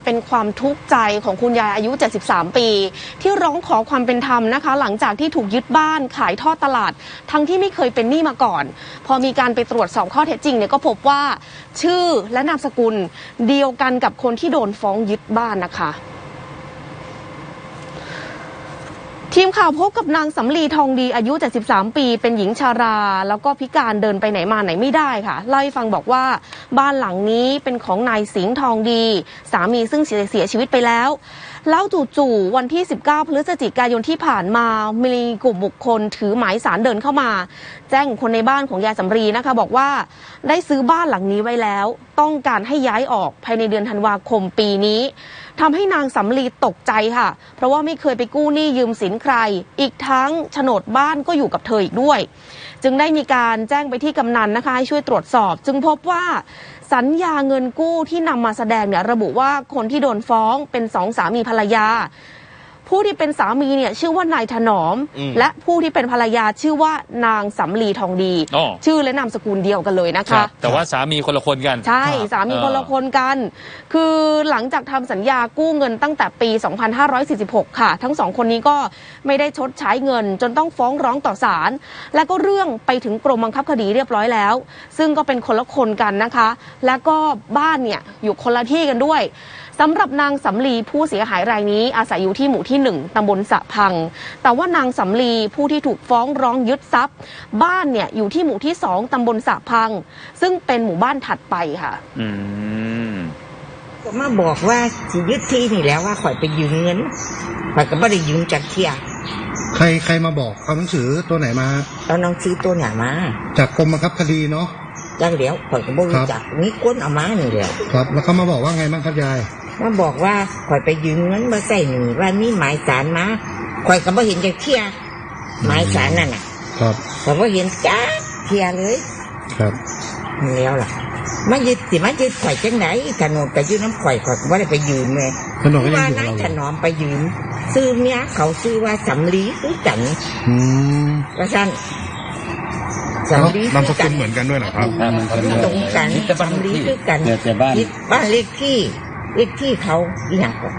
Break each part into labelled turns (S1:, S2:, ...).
S1: เป็นความทุกข์ใจของคุณยายอายุ 73 ปีที่ร้องขอความเป็นธรรมนะคะหลังจากที่ถูกยึดบ้านขายทอดตลาดทั้งที่ไม่เคยเป็นหนี้มาก่อนพอมีการไปตรวจสอบข้อเท็จจริงเนี่ยก็พบว่าชื่อและนามสกุลเดียวกันกับคนที่โดนฟ้องยึดบ้านนะคะทีมข่าวพบกับนางสำลีทองดีอายุ 73 ปีเป็นหญิงชาราแล้วก็พิการเดินไปไหนมาไหนไม่ได้ค่ะเล่าให้ฟังบอกว่าบ้านหลังนี้เป็นของนายสิงห์ทองดีสามีซึ่งเสียชีวิตไปแล้วจู่ๆวันที่ 19 พฤศจิกายนที่ผ่านมามีกลุ่มบุคคลถือหมายสารเดินเข้ามาแจ้งคนในบ้านของยายสำลีนะคะบอกว่าได้ซื้อบ้านหลังนี้ไว้แล้วต้องการให้ย้ายออกภายในเดือนธันวาคมปีนี้ทำให้นางสำลีตกใจค่ะเพราะว่าไม่เคยไปกู้หนี้ยืมสินใครอีกทั้งโฉนดบ้านก็อยู่กับเธออีกด้วยจึงได้มีการแจ้งไปที่กำนันนะคะให้ช่วยตรวจสอบจึงพบว่าสัญญาเงินกู้ที่นำมาแสดงเนี่ยระบุว่าคนที่โดนฟ้องเป็นสองสามีภรรยาผู้ที่เป็นสามีเนี่ยชื่อว่านายถนอมและผู้ที่เป็นภรรยาชื่อว่านางสำลีทองดีชื่อและนามสกุลเดียวกันเลยนะคะ
S2: แต่ว่าสามีคนละคนกัน
S1: ใช่สามีคนละคนกันคือหลังจากทำสัญญากู้เงินตั้งแต่ปี 2546 ค่ะทั้งสองคนนี้ก็ไม่ได้ชดใช้เงินจนต้องฟ้องร้องต่อศาลและก็เรื่องไปถึงกรมบังคับคดีเรียบร้อยแล้วซึ่งก็เป็นคนละคนกันนะคะและก็บ้านเนี่ยอยู่คนละที่กันด้วยสำหรับนางสำลีผู้เสียหายรายนี้อาศัยอยู่ที่หมู่ที่ 1 ตำบลสะพังแต่ว่านางสำลีผู้ที่ถูกฟ้องร้องยึดทรัพย์บ้านเนี่ยอยู่ที่หมู่ที่ 2 ตำบลสะพังซึ่งเป็นหมู่บ้านถัดไปค่ะ
S3: ก็มาบอกว่าสิยึดที่นี่แล้วว่าข่อยไปยืมเงินข่อยก็ไม่ได้ยืมจากเที่ย
S4: ใครมาบอกเอาหนังสือตัวไหนมา
S3: เอาหนังสือตัวไหนมา
S4: จากกรมบังคับคดีเนาะ
S3: จังเดี๋ยวข่อยก็บ่รู้จักมีคนเอามานี่แหละ
S4: ครับแล้วเขามาบอกว่าไงบ้างครับยาย
S3: มาบอกว่าข่อยไปยืมเงินมาใส่หนี้ว่ามีหมายศาลมาข่อยก็บ่เห็นจากเที่ยหมายศาลนั่นน่ะ
S4: ครับ
S3: ข่อยบ่เห็นจ้าเที่ยเลย
S4: ครับ
S3: แล้วล่ะมายึดข่อยจังไหนถนนไปยืมน้ำข่อยก็บ่ได้ไปยืมแม่
S4: ถนนก็ยังอยู่
S3: กับเราถนอมไปยืมซื้อเมียเขาซื้อว่าสำลีซื้อจันว่าซั่น
S4: นามสกุลเหมือนกันด้วยนะครับ
S3: ตรงกันสำลีซื้อกันบ้านเลขที่เขาอย่างก่อน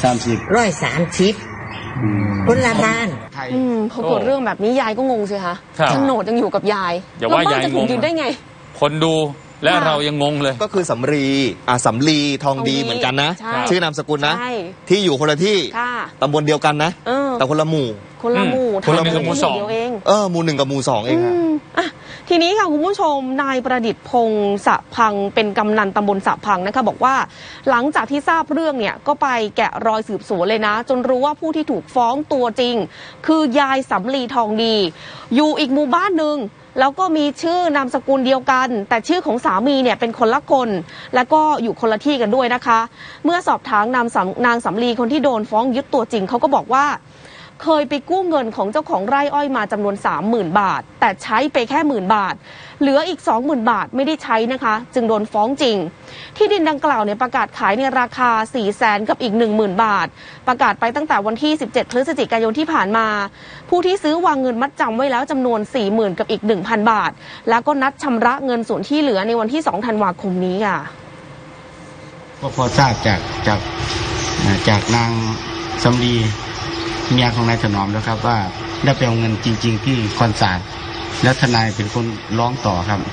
S3: 130คนละบ้าน
S1: พอเกิดเรื่องแบบนี้ยายก็งงสิคะโฉนดยังอยู่กับยาย
S2: แล้วบ้าน
S1: จะถูกยึดได้ไง
S2: คนดูและเรายังงงเลย
S5: ก็คือสำลีทองดีเหมือนกันนะชื่อนามสกุลนะที่อยู่คนละที่ตำบลเดียวกันนะแต่คนละหมู่
S1: คนละหมู่
S2: หมู่สอง
S1: เอง
S5: หมู่1กับหมู่2เอง
S1: ค่ะทีนี้ค่ะคุณผู้ชมนายประดิษฐ์พงษ์สะพังเป็นกำนันตำบลสะพังนะคะบอกว่าหลังจากที่ทราบเรื่องเนี่ยก็ไปแกะรอยสืบสวนเลยนะจนรู้ว่าผู้ที่ถูกฟ้องตัวจริงคือยายสำลีทองดีอยู่อีกหมู่บ้านหนึ่งแล้วก็มีชื่อนามสกุลเดียวกันแต่ชื่อของสามีเนี่ยเป็นคนละคนแล้วก็อยู่คนละที่กันด้วยนะคะเมื่อสอบถามนางสำลีคนที่โดนฟ้องยึดตัวจริงเขาก็บอกว่าเคยไปกู้เงินของเจ้าของไร่อ้อยมาจำนวน 30,000 บาทแต่ใช้ไปแค่10,000 บาทเหลืออีก 20,000 บาทไม่ได้ใช้นะคะจึงโดนฟ้องจริงที่ดินดังกล่าวเนี่ยประกาศขายในราคา 400,000 กับอีก 10,000 บาทประกาศไปตั้งแต่วันที่ 17 พฤศจิกายนที่ผ่านมาผู้ที่ซื้อวางเงินมัดจำไว้แล้วจำนวน 40,000 กับอีก 1,000 บาทแล้วก็นัดชำระเงินส่วนที่เหลือในวันที่ 2 ธันวาคมนี้ค่ะ
S6: ก็พอทราบจากนางสำลีเมียของนายถนอมแล้วครับว่าได้ไปเอาเงินจริงๆที่คอนศาลแล้วทนายเป็นคนร้องต่อครับ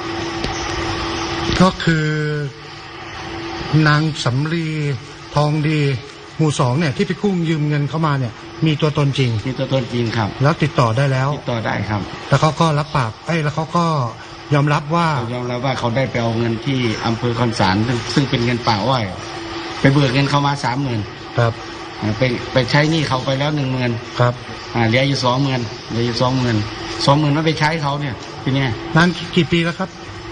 S4: ก็คือนางสำลีทองดีหมู่2เนี่ยที่ไปกู้ยืมเงินเข้ามาเนี่ยมีตัวตนจริง
S6: ครับ
S4: แล้วติดต่อได้แล้ว
S6: ติดต่อได้ครับ
S4: แล้วเขาก็รับปากแล้วเขาก็ยอมรับว่า
S6: เขาได้ไปเอาเงินที่อำเภอคอนศาลซึ่งเป็นเงินป่าอ้อยไปเบิกเงินเข้ามา 30,000
S4: ครับ
S6: ไปใช้หนี้เขาไปแล้ว 10,000
S4: ครับ
S6: เหลืออยู่ 20,000ไม่ไปใช้เขาเนี่ยทีนี้
S4: นานกี่ปีแล้วครับ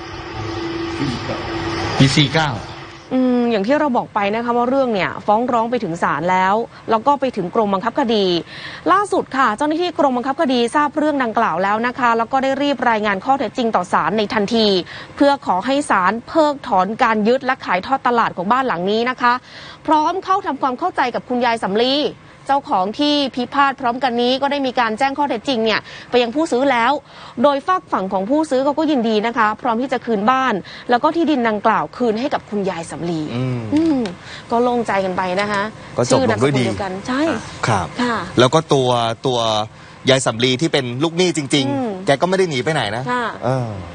S6: ปี 49
S1: อย่างที่เราบอกไปนะคะว่าเรื่องเนี่ยฟ้องร้องไปถึงศาลแล้วก็ไปถึงกรมบังคับคดีล่าสุดค่ะเจ้าหน้าที่กรมบังคับคดีทราบเรื่องดังกล่าวแล้วนะคะแล้วก็ได้รีบรายงานข้อเท็จจริงต่อศาลในทันทีเพื่อขอให้ศาลเพิกถอนการยึดและขายทอดตลาดของบ้านหลังนี้นะคะพร้อมเข้าทำความเข้าใจกับคุณยายสำลีเจ้าของที่พิพาทพร้อมกันนี้ก็ได้มีการแจ้งข้อเท็จจริงเนี่ยไปยังผู้ซื้อแล้ว โดยฝากฝั่งของผู้ซื้อเขาก็ยินดีนะคะ พร้อมที่จะคืนบ้าน แล้วก็ที่ดินดังกล่าวคืนให้กับคุณยายสำลีก็โล่งใจกันไปนะคะ
S5: ก็จบลงด้วยดี
S1: ชื่อนามสกุลเกันใช่
S5: ครับ
S1: ค่ะ
S5: แล้วก็ตัวยายสำลีที่เป็นลูกหนี้จริง ๆ แกก็ไม่ได้หนีไปไหนนะ
S1: ค่ะ